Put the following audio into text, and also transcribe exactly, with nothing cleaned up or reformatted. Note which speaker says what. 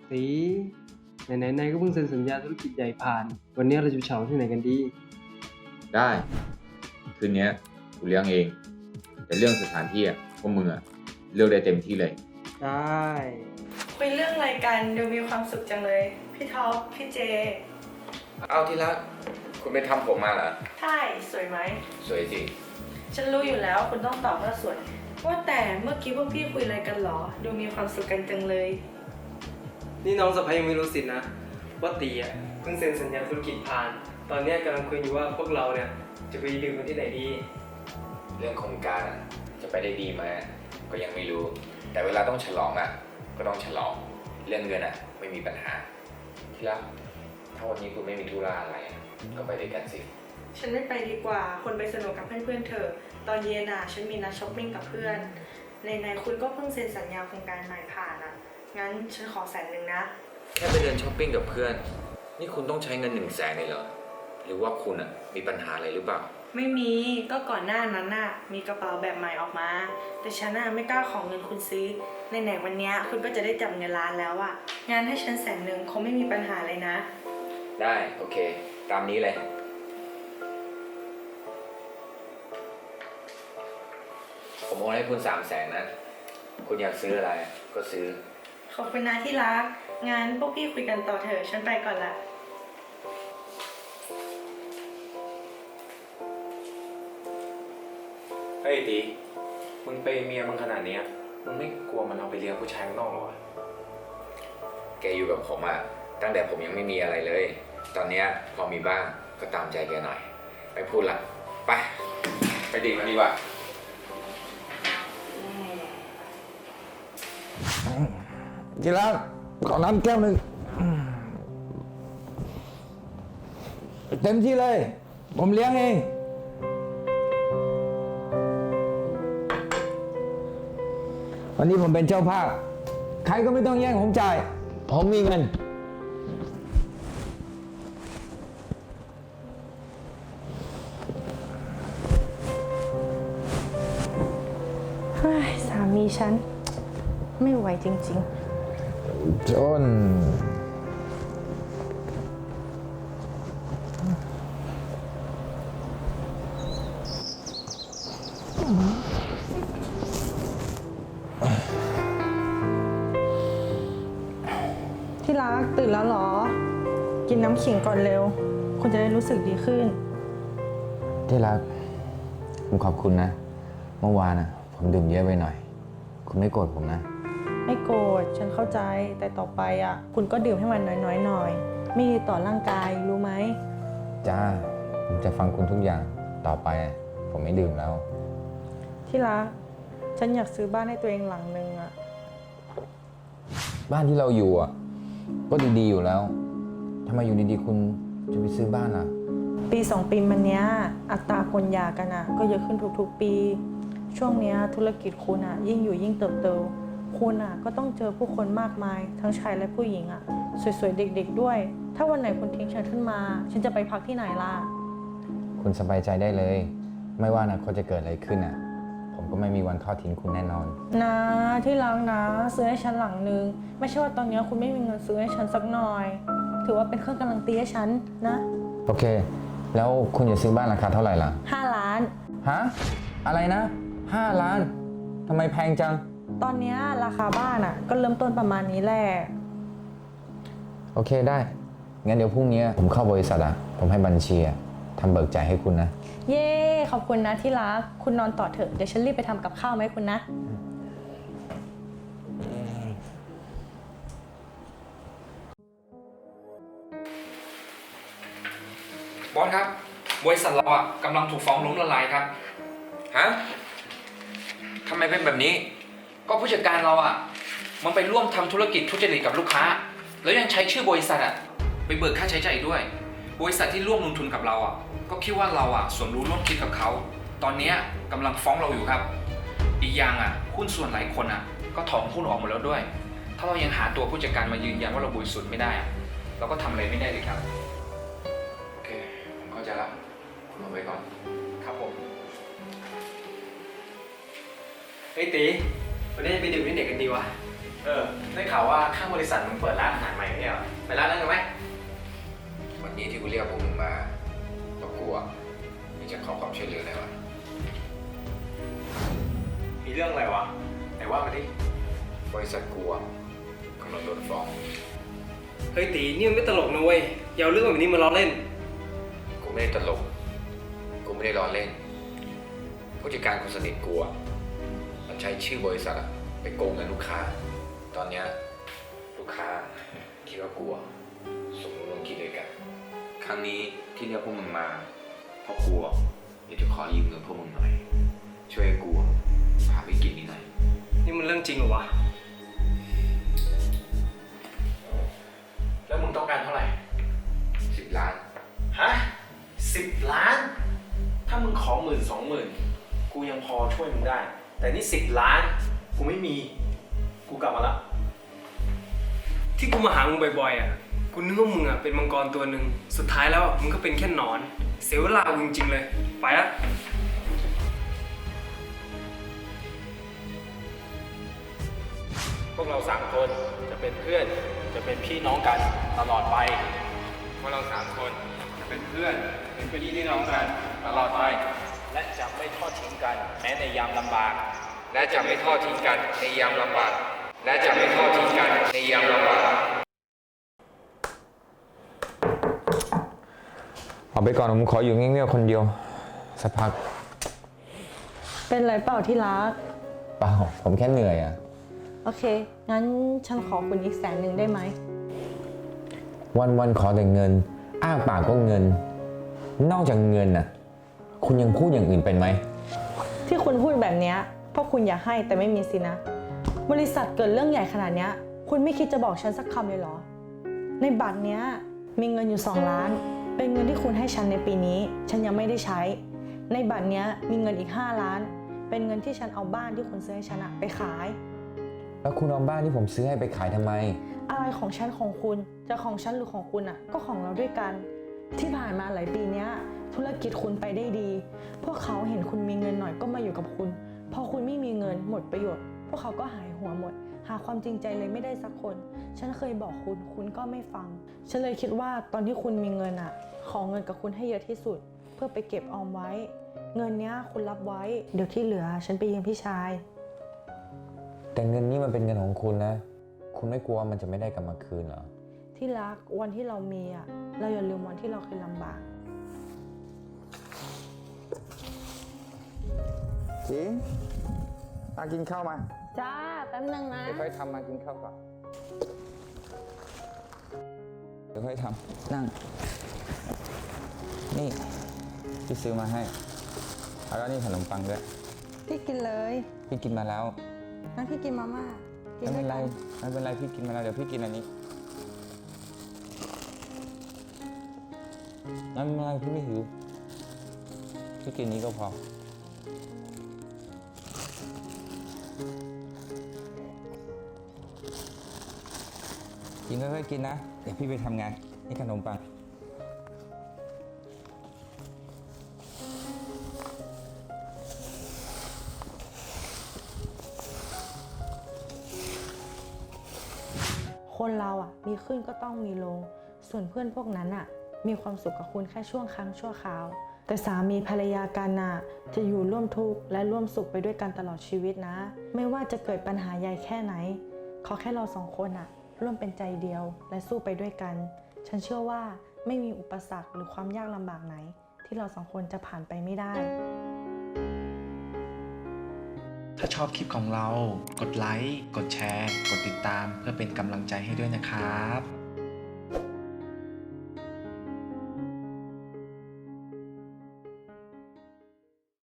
Speaker 1: ตีไหนๆนายก็เพิ่งเซ็นสัญญาธุรกิจใหญ่ผ่าน วันนี้เราจะเฉาที่ไหนกันดี
Speaker 2: ได้ คืนนี้กูเลี้ยงเอง แต่เรื่องสถานที่อ่ะพวกมึงอ่ะเลือกได้เต็มที่เลย
Speaker 1: ได้
Speaker 3: คุยเรื่องอะไรกันดูมีความสุขจังเลย พี่ท็อปพี่เจ
Speaker 2: เอาที่รักคุณไปทำผมมาเหรอ
Speaker 3: ใช่สวยไหม
Speaker 2: สวยสิ
Speaker 3: ฉันรู้อยู่แล้วคุณต้องตอบว่าสวย ว่าแต่เมื่อกี้พวกพี่คุยอะไรกันหรอ ดูมีความสุขกันจังเลย
Speaker 1: นี่น้องสะพ้ายยังไม่รู้สินะว่าตีอ่ะเพิ่งเซ็นสัญญาธุรกิจผ่าน ตอนนี้กำลังคุยอยู่ว่าพวกเราเนี่ยจะไปดื่มกันที่ไหนดี
Speaker 2: เรื่องโครงการอ่ะจะไปได้ดีไหมก็ยังไม่รู้ แต่เวลาต้องฉลองอ่ะก็ต้องฉลอง เรื่องเงินอ่ะไม่มีปัญหาที่รักถ้าวันนี้คุณไม่มีธุระอะไรก็ไปด้วยกันสิ
Speaker 3: ฉันไม่ไปดีกว่าคนไปสนุกกับเพื่อนๆเธอตอนเย็นอ่ะฉันมีนัดช้อปปิ้งกับเพื่อนในๆคุณก็เพิ่งเซ็นสัญญาโครงการใหม่ผ่านอ่ะงั้นฉันขอแสนหนึ่งนะ
Speaker 2: แค่ไปเดินช้อปปิ้งกับเพื่อนนี่คุณต้องใช้เงินหนึ่งแสนเลยเหรอหรือว่าคุณอ่ะมีปัญหาอะไรหรือเปล่า
Speaker 3: ไม่มีก็ก่อนหน้านั้นน่ะมีกระเป๋าแบบใหม่ออกมาแต่ฉันน่ะไม่กล้าของเงินคุณซื้อไหนๆวันนี้คุณก็จะได้จับเงินล้านแล้วอ่ะงั้นให้ฉันแสนหนึ่งคงไม่มีปัญหาเลยนะ
Speaker 2: ได้โอเคตามนี้เลยผมโอนให้คุณสามแสนนะคุณอยากซื้ออะไรก็ซื้อ
Speaker 3: ขอบคุณนะที่รักงั้นพวกพี่คุยกันต่อเถอะฉันไปก่อนละ
Speaker 4: เฮ้ยตีมึงเปย์เมียมึงขนาดนี้มึงไม่กลัวมันเอาไปเลี้ยงผู้ชายข้างนอกหรอวะ
Speaker 2: แกอยู่กับผมอะตั้งแต่ผมยังไม่มีอะไรเลย ตอนนี้พอมีบ้างก็ตามใจแกหน่อยไม่พูดละไปไปดื่มกันดีกว่า
Speaker 5: กินแล้วขอน้ำแก้วหนึ่งเต็มที่เลยผมเลี้ยงเองวันนี้ผมเป็นเจ้าภาพใครก็ไม่ต้องแย่งผมจ่ายผมมีเงิน
Speaker 3: เฮ้ยสามีฉันไม่ไหวจริง
Speaker 5: ๆจน
Speaker 3: ที่รักตื่นแล้วเหรอกินน้ำขิงก่อนเร็วคุณจะได้รู้สึกดีขึ้น
Speaker 5: ที่รักผมขอบคุณนะเมื่อวานนะผมดื่มเยอะไปหน่อยคุณไม่โกรธผมนะ
Speaker 3: ไม่โกรธฉันเข้าใจแต่ต่อไปอ่ะคุณก็ดื่มให้มันน้อยๆหน่อยไม่ดีต่อร่างกายรู้ไหม
Speaker 5: จ้าผมจะฟังคุณทุกอย่างต่อไปผมไม่ดื่มแล้ว
Speaker 3: ที่รักฉันอยากซื้อบ้านให้ตัวเองหลังนึงอ่ะ
Speaker 5: บ้านที่เราอยู่อ่ะก็ดีๆอยู่แล้วทำไมอยู่ดีๆคุณจะไปซื้อบ้านล่ะ
Speaker 3: ปีสองปีมาเนี้ยอัตราคนหย่ากันอ่ะก็เยอะขึ้นทุกๆปีช่วงเนี้ยธุรกิจคุณอ่ะยิ่งอยู่ยิ่งเติบโตคุณอ่ะก็ต้องเจอผู้คนมากมายทั้งชายและผู้หญิงอ่ะสวยๆเด็กๆด้วยถ้าวันไหนคุณทิ้งฉันขึ้นมาฉันจะไปพักที่ไหนล่ะ
Speaker 5: คุณสบายใจได้เลยไม่ว่าอนาคตจะเกิดอะไรขึ้นอ่ะผมก็ไม่มีวันทอดทิ้งคุณแน่นอน
Speaker 3: นะที่รักนะซื้อให้ฉันหลังนึงไม่ใช่ว่าตอนนี้คุณไม่มีเงินซื้อให้ฉันสักหน่อยถือว่าเป็นเครื่องการันตีให้ฉันนะ
Speaker 5: โอเคแล้วคุณจะซื้อบ้านราคาเท่าไหร่ล่ะ
Speaker 3: ห้าล้าน
Speaker 5: ฮะอะไรนะห้าล้านทำไมแพงจัง
Speaker 3: ตอนนี้ราคาบ้านอ่ะก็เริ่มต้นประมาณนี้แหละ
Speaker 5: โอเคได้งั้นเดี๋ยวพรุ่งนี้ผมเข้าบริษัทอ่ะผมให้บัญชีทำเบิกจ่ายให้คุณนะ
Speaker 3: เย้ขอบคุณนะที่รักคุณนอนต่อเถอะเดี๋ยวฉันรีบไปทำกับข้าวไหมคุณนะ
Speaker 6: บอสครับบริษัทเราอ่ะกำลังถูกฟ้องล้มละลายครับ
Speaker 2: ฮะทำไมเป็นแบบนี้
Speaker 6: ก็ผู้จัดการเราอ่ะมันไปร่วมทำธุรกิจทุจริตกับลูกค้าแล้วยังใช้ชื่อบริษัทอ่ะไปเบิกค่าใช้จ่ายด้วยบริษัทที่ร่วมลงทุนกับเราอ่ะก็คิดว่าเราอ่ะสมรู้ร่วมคิดกับเขาตอนนี้กำลังฟ้องเราอยู่ครับอีกอย่างอ่ะหุ้นส่วนหลายคนอ่ะก็ถอนหุ้นออกหมดแล้วด้วยถ้าเรายังหาตัวผู้จัดการมายืนยันว่าเราบริสุทธิ์ไม่ได้เราก็ทำอะไรไม่ได้เลยครับ
Speaker 2: โอเคผมเข้าใจแล้วคุณเอาไว้ก่อน
Speaker 6: ครับผม
Speaker 1: ไอ้ตีไปวันนี้จะไปดื่มที่ไหนกันดีวะ
Speaker 4: เออ ได้ข่าวว่าข้างบริษัทมึงเปิดร้านอาหารใหม่ไม่ใช่เหรอ ไปร้านนั้นกันไหม
Speaker 2: วันนี้ที่กูเรียกพวกมึงมาเพราะกลัวมึงจะขอความช่วยเหลือหน่อยวะ
Speaker 4: มีเรื่องอะไรวะไหนว่ามาดิ
Speaker 2: บริษัทกลัวกำลังโดนฟ้อง
Speaker 1: เฮ้ยตีนี่มันไม่ตลกนะเว้ยอย่าเอาเรื่องแบบนี้มาล้อเล่น
Speaker 2: กูไม่ได้ตลก กูไม่ได้ล้อเล่น ผู้จัดการคนสนิทกูอะมันใช้ชื่อบริษัทอะไปโกงเงินลูกค้า ตอนเนี้ยลูกค้าคิดว่ากูอะสมรู้ร่วมคิดด้วยกัน ครั้งนี้ที่เรียกพวกมึงมาเพราะกูอะอยากจะขอยืมเงินพวกมึงหน่อย ช่วยให้กูผ่านวิกฤตนี้หน่อย
Speaker 1: นี่มันเรื่องจริงเหรอวะ
Speaker 4: แล้วมึงต้องการเท่าไหร่
Speaker 2: สิบล้าน
Speaker 4: ฮะสิบล้าน ถ้ามึงขอหมื่นสองหมื่นกูยังพอช่วยมึงได้ แต่นี่สิบล้าน กูไม่มี กูกลับมาละ
Speaker 1: ที่กูมาหามึงบ่อยๆอ่ะกูนึกว่ามึงอ่ะเป็นมังกรตัวหนึ่งสุดท้ายแล้วมึงก็เป็นแค่หนอน เสียเวลากูจริงๆเลยไปละ
Speaker 4: พวกเราสามคนจะเป็นเพื่อน จะเป็นพี่น้องกันตลอดไป
Speaker 6: พวกเราสามคนจะเป็นเพื่อนเป็นพี่น้องกันตลอดไป
Speaker 4: และจะไม่ทอดทิ้งกันแม้ในยามลำบาก
Speaker 6: และจะไม่ทอดทิ้งกันในยามลำบากและจะไม่ทอดทิ้งกันในยามลำบาก
Speaker 5: เอาไปก่อนผมขออยู่เงียบๆคนเดียวสักพัก
Speaker 3: เป็นไรเปล่าที่รัก
Speaker 5: เปล่าผมแค่เหนื่อยอ่ะ
Speaker 3: โอเค งั้นฉันขอคุณอีกแสนหนึ่งได้ไหม
Speaker 5: วันๆขอแต่เงิน อ้าปากก็เงิน นอกจากเงินน่ะ คุณยังพูดอย่างอื่นเป็นไหม
Speaker 3: ที่คุณพูดแบบเนี้ยเพราะคุณอยากให้แต่ไม่มีสินะ บริษัทเกิดเรื่องใหญ่ขนาดเนี้ยคุณไม่คิดจะบอกฉันสักคำเลยเหรอ ในบัตรเนี้ยมีเงินอยู่สองล้าน เป็นเงินที่คุณให้ฉันในปีนี้ ฉันยังไม่ได้ใช้ ในบัตรเนี้ยมีเงินอีกห้าล้าน เป็นเงินที่ฉันเอาบ้านที่คุณซื้อให้ฉันอะไปขาย
Speaker 5: แล้วคุณเอาบ้านที่ผมซื้อให้ไปขายทำไม
Speaker 3: อะไรของฉันของคุณจะของฉันหรือของคุณอ่ะก็ของเราด้วยกัน ที่ผ่านมาหลายปีเนี้ยธุรกิจคุณไปได้ดี พวกเขาเห็นคุณมีเงินหน่อยก็มาอยู่กับคุณพอคุณไม่มีเงินหมดประโยชน์ พวกเขาก็หายหัวหมด หาความจริงใจเลยไม่ได้สักคน ฉันเคยบอกคุณคุณก็ไม่ฟัง ฉันเลยคิดว่าตอนที่คุณมีเงินอ่ะขอเงินกับคุณให้เยอะที่สุด เพื่อไปเก็บออมไว้ เงินเนี้ยคุณรับไว้เดี๋ยวที่เหลือฉันไปยืมพี่ชาย
Speaker 5: แต่เงินนี่มันเป็นเงินของคุณนะ คุณไม่กลัวมันจะไม่ได้กลับมาคืนเหรอ
Speaker 3: ที่รักวันที่เรามีอ่ะเราอย่าลืมวันที่เราเคยลำบาก
Speaker 5: จิงมากินข้าวมา
Speaker 3: จ้าแป๊บนึงนะ
Speaker 5: เดี๋ยวค่อยทำมากินข้าวก่อน เดี๋ยวค่อยทำนั่ง นี่พี่ซื้อมาให้ แล้วก็นี่ขนมปังด้วย
Speaker 3: พี่กินเลย
Speaker 5: พี่กินมาแล้ว
Speaker 3: งั้นพี่กินมาม่ากิ
Speaker 5: ไม่
Speaker 3: ด้
Speaker 5: เป็
Speaker 3: วนย
Speaker 5: ไร
Speaker 3: กัน
Speaker 5: ไม่เป็นไรพี่กินมาแล้วเดี๋ยวพี่กินอันนี้ไม่เป็นไรพี่ไม่หิวพี่กินนี้ก็พอกินค่อยๆกินนะเดี๋ยวพี่ไปทำงานนี่ขนมปัง
Speaker 3: คนเราอ่ะมีขึ้นก็ต้องมีลง ส่วนเพื่อนพวกนั้นอ่ะมีความสุขกับคุณแค่ช่วงครั้งชั่วคราว แต่สามีภรรยากันน่ะจะอยู่ร่วมทุกข์และร่วมสุขไปด้วยกันตลอดชีวิตนะ ไม่ว่าจะเกิดปัญหาใหญ่แค่ไหนขอแค่เราสองคนอ่ะร่วมเป็นใจเดียวและสู้ไปด้วยกัน ฉันเชื่อว่าไม่มีอุปสรรคหรือความยากลำบากไหน ที่เราสองคนจะผ่านไปไม่ได้
Speaker 7: ถ้าชอบคลิปของเรา กดไลค์ กดแชร์ กดติดตามเพื่อเป็นกำลังใจให้ด้วยนะครับ